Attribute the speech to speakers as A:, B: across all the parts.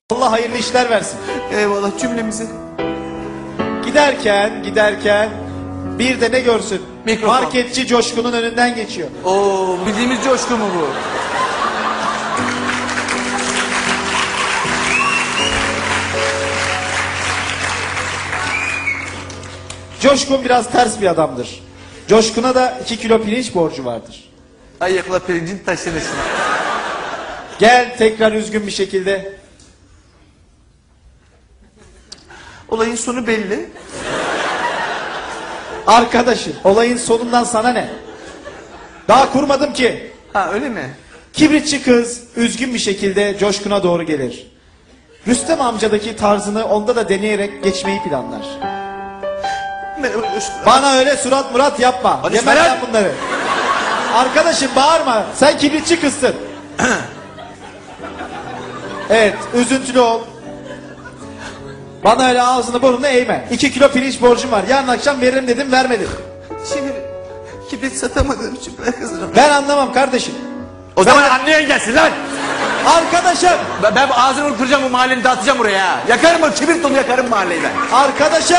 A: Allah hayırlı işler versin.
B: Eyvallah cümlemizi.
A: Giderken bir de ne görsün?
B: Mikrofon.
A: Marketçi Coşkun'un önünden geçiyor.
B: Oo, bildiğimiz Coşku mu bu?
A: Coşkun biraz ters bir adamdır. Coşkun'a da 2 kilo pirinç borcu vardır.
B: Ayakla pirincin taşınırsın.
A: Gel tekrar üzgün bir şekilde.
B: Olayın sonu belli.
A: Arkadaşım, olayın sonundan sana ne? Daha kurmadım ki.
B: Ha öyle mi?
A: Kibritçi kız üzgün bir şekilde Coşkun'a doğru gelir. Rüstem amcadaki tarzını onda da deneyerek geçmeyi planlar.
B: Merhaba Coşku.
A: Bana öyle surat murat yapma.
B: Hadi
A: Yemem
B: Meral.
A: ben bunları. Arkadaşım bağırma. Sen kibritçi kızsın. Evet, üzüntülü ol. Bana öyle ağzını burnunu eğme. 2 kilo pirinç borcum var. Yarın akşam veririm dedim, vermedin.
B: Şimdi kibrit satamadığım için ben kızarım.
A: Ben anlamam kardeşim.
B: O zaman anlayan gelsin lan.
A: Arkadaşım.
B: Ben ağzını kıracağım, bu mahalleni dağıtacağım buraya. Yakarım o kibrit dolu, yakarım mahalleyi ben.
A: Arkadaşım.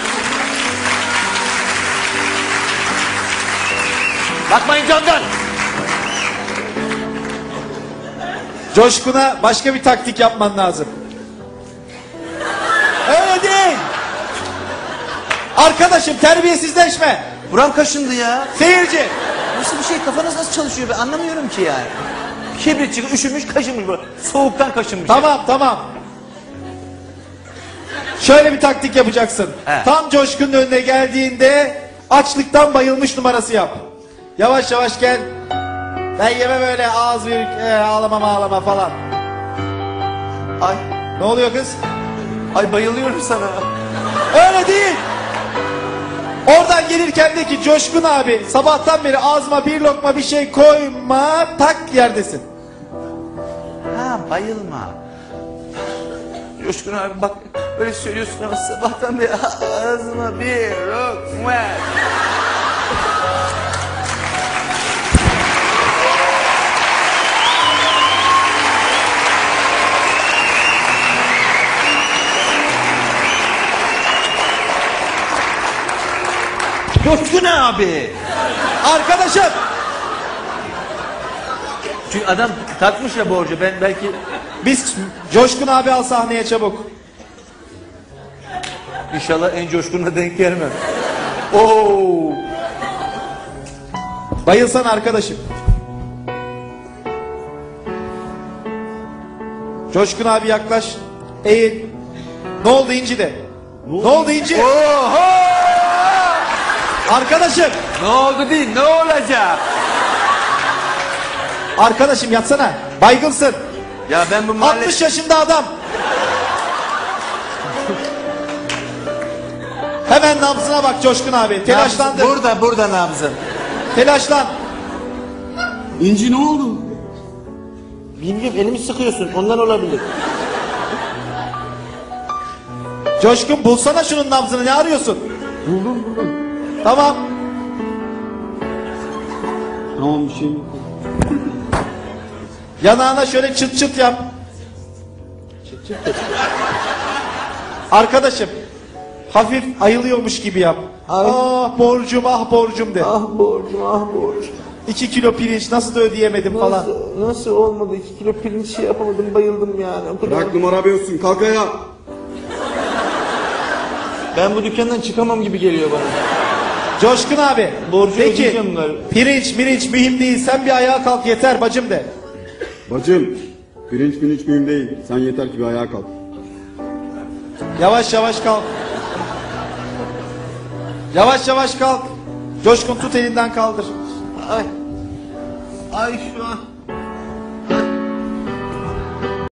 B: Bakmayın candan.
A: Coşkun'a başka bir taktik yapman lazım. Öyle değil. Arkadaşım terbiyesizleşme.
B: Buram kaşındı ya.
A: Seyirci.
B: Nasıl bir şey, kafanız nasıl çalışıyor, ben anlamıyorum ki yani. Kibrit çıkıp üşümüş, kaşınmış bu. Soğuktan kaşınmış.
A: Tamam. Şöyle bir taktik yapacaksın.
B: He.
A: Tam Coşkun'un önüne geldiğinde açlıktan bayılmış numarası yap. Yavaş yavaş gel. Ben yemem öyle ağız büyük ağlama falan.
B: Ay,
A: Ne oluyor kız?
B: ay bayılıyorum sana.
A: Öyle değil. Oradan gelirken de ki Coşkun abi sabahtan beri ağzıma bir lokma bir şey koyma, tak yerdesin.
B: Ha, bayılma. Coşkun abi bak, öyle söylüyorsun ama sabahtan beri ağzıma bir lokma. Coşkun abi.
A: Arkadaşım.
B: Çünkü adam takmış ya borcu, ben belki...
A: Biz Coşkun abi al sahneye çabuk.
B: İnşallah en coşkununa denk gelmem. Oo.
A: Bayılsan arkadaşım. Coşkun abi yaklaş. Eğil. Ne oldu İnci de? Ne oldu İnci?
B: Oho!
A: Arkadaşım.
B: Ne oldu değil, ne olacak?
A: Arkadaşım yatsana. Baygınsın.
B: Ya ben bu mahalle...
A: 60 yaşında adam. Hemen nabzına bak Coşkun abi. Telaşlandı.
B: Burada nabzın.
A: Telaşlan.
C: İnci ne oldu?
B: Bilmiyorum, elimi sıkıyorsun, ondan olabilir.
A: Coşkun bulsana şunun nabzını, ne arıyorsun?
C: Buldum.
A: Tamam.
C: Tamam bir şey yok.
A: Yanağına şöyle çıt çıt yap. Arkadaşım. Hafif ayılıyormuş gibi yap. Ah borcum de.
D: Ah borcum.
A: 2 kilo pirinç nasıl da ödeyemedim falan.
D: Nasıl olmadı? 2 kilo pirinç şey yapamadım, bayıldım yani. O kadar.
C: Bırak numara yapıyorsun, kalk ayağa.
B: Ben bu dükkandan çıkamam gibi geliyor bana.
A: Coşkun abi.
B: Borcu
A: Peki
B: ödeyeceğim galiba.
A: pirinç mühim değil, sen bir ayağa kalk yeter bacım de.
C: Bacım, pirinç mühim değil. Sen yeter ki bir ayağa kalk.
A: Yavaş yavaş kalk. Yavaş kalk. Coşkun tut elinden kaldır.
D: Ay şu an